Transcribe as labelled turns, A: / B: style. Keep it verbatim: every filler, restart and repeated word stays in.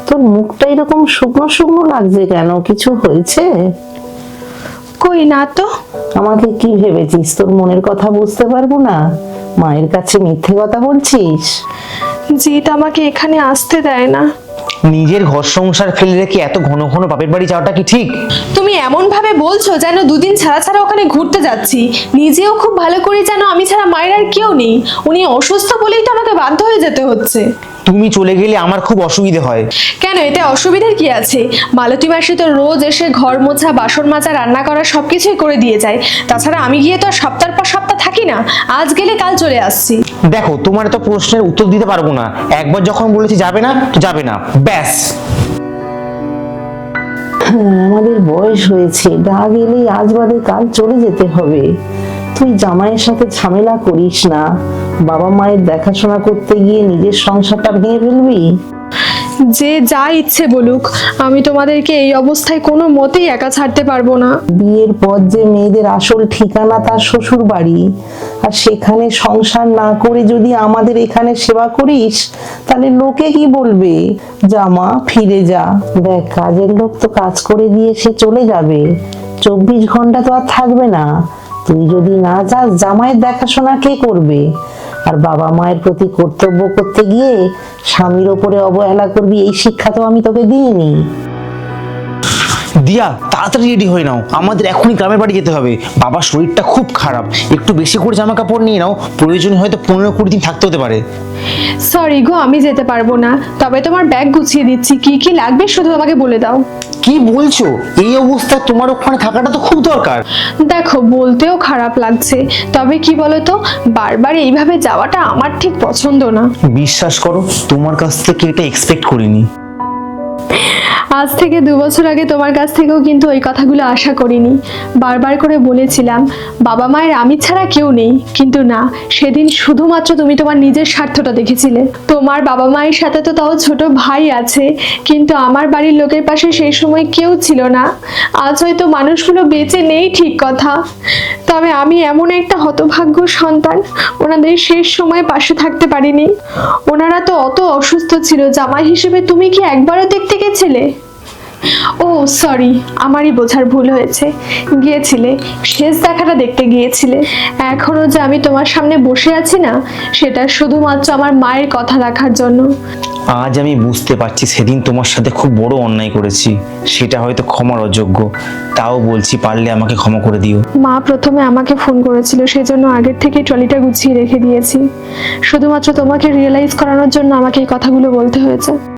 A: তোর মুখটা এরকম শুকনো শুকনো লাগছে কেন? কিছু হয়েছে?
B: কই না তো।
A: আমাকে কি ভেবেছিস তোর মনের কথা বুঝতে পারবো না? মায়ের কাছে মিথ্যে কথা বলছিস?
B: জিৎ আমাকে এখানে আসতে দেয় না।
C: নিজের ঘর সংসার ফেলে রেখে এত ঘন ঘন বাপের বাড়ি যাওয়াটা কি ঠিক?
B: তুমি এমন ভাবে বলছো যেন দুদিন ছাড়া ছাড়া ওখানে ঘুরতে যাচ্ছি। নিজেও খুব ভালো করে জানো আমি ছাড়া মায়ের আর কেউ নেই। উনি অসুস্থ বলেই তো আমাকে বাধ্য হয়ে যেতে হচ্ছে।
C: তুমি চলে গেলে আমার খুব অসুবিধে হয়।
B: কেন, এতে অসুবিধার কি আছে? মালতী মাসি তো রোজ এসে ঘর মোছা, বাসন মাজা, রান্না করা সবকিছুই করে দিয়ে যায়। তাছাড়া আমি গিয়ে তো আর সপ্তাহ পর সপ্তাহ থাকি না, আজ গেলে কাল চলে আসছি।
C: দেখো, তোমার এত প্রশ্নের উত্তর দিতে পারবো না। একবার যখন বলেছি যাবে না তো যাবে না, ব্যাস।
A: হ্যাঁ, আমাদের বয়স হয়েছে, না গেলেই আজ বাদে কাল চলে যেতে হবে। তুই জামাইয়ের সাথে ঝামেলা করিস না। বাবা মায়ের দেখাশোনা করতে গিয়ে নিজের সংসারটা ভেঙে ফেলবি?
B: যে যা ইচ্ছে বলুক, আমি তোমাদেরকে এই অবস্থায় কোনো মতেই একা ছাড়তে পারবো না।
A: বিয়ের পর যে মেয়েদের আসল ঠিকানা তার শ্বশুর বাড়ি, আর সেখানে সংসার না করে যদি আমাদের এখানে সেবা করিস তাহলে লোকে কি বলবে? জামা ফিরে যা। দেখ, কাজের লোক তো কাজ করে দিয়ে সে চলে যাবে, চব্বিশ ঘন্টা তো আর থাকবে না। তুই যদি না যাস জামাইয়ের দেখাশোনা কে করবে? আর বাবা মায়ের প্রতি কর্তব্য করতে গিয়ে স্বামীর ওপরে অবহেলা করবি, এই শিক্ষা তো আমি তোকে দিইনি।
C: দিয়া, তাড়াতাড়ি রেডি হয়ে নাও, আমাদের এখনই গ্রামের বাড়ি যেতে হবে। বাবার শরীরটা খুব খারাপ, একটু বেশি করে জামা কাপড় নিয়ে নাও, প্রয়োজন হয়তো পনেরো কুড়ি দিন থাকতে হতে পারে।
B: সরি গো, আমি যেতে পারবো না। তবে তোমার ব্যাগ গুছিয়ে দিচ্ছি, কি কি লাগবে শুধু আমাকে বলে দাও।
C: কি বলছো? এই অবস্থায় তোমার ওখানে থাকাটা তো খুব দরকার।
B: দেখো, বলতেও খারাপ লাগছে, তবে কি বলতো, বারবার এইভাবে যাওয়াটা আমার ঠিক পছন্দ না।
C: বিশ্বাস করো, তোমার কাছ থেকে এটা এক্সপেক্ট করিনি।
B: আজ থেকে দু বছর আগে তোমার কাছ থেকেও কিন্তু ওই কথাগুলো আশা করিনি। বারবার করে বলেছিলাম বাবা মায়ের আমি ছাড়া কেউ নেই, কিন্তু না, সেদিন শুধুমাত্র তুমি তোমার নিজের স্বার্থটা দেখেছিলে। তোমার বাবা মায়ের সাথে তো তাও ছোট ভাই আছে, কিন্তু আমার বাড়ির লোকের পাশে সেই সময় কেউ ছিল না। আজ হয়তো মানুষগুলো বেঁচে নেই ঠিক কথা, তবে আমি এমন একটা হতভাগ্য সন্তান, ওনাদের শেষ সময় পাশে থাকতে পারিনি। ওনারা তো অত অসুস্থ ছিল, জামাই হিসেবে তুমি কি একবারও দেখতে গেছিলে? ও সরি, আমারই বোঝার ভুল হয়েছে। গিয়েছিলে, শেষ দেখাটা দেখতে গিয়েছিলে। এখনো যে আমি তোমার সামনে বসে আছি না, সেটা শুধুমাত্র আমার মায়ের কথা রাখার জন্য।
C: আজ আমি বুঝতে পারছি সেদিন তোমার সাথে খুব বড় অন্যায় করেছি, সেটা হয়তো ক্ষমার অযোগ্য। তাও বলছি, পারলে আমাকে ক্ষমা করে দিও।
B: মা প্রথমে আমাকে ফোন করেছিল, সেজন্য আগের থেকে ট্রলিটা গুছিয়ে রেখে দিয়েছি। শুধুমাত্র তোমাকে রিয়েলাইজ করানোর জন্য আমাকে এই কথাগুলো বলতে হয়েছে।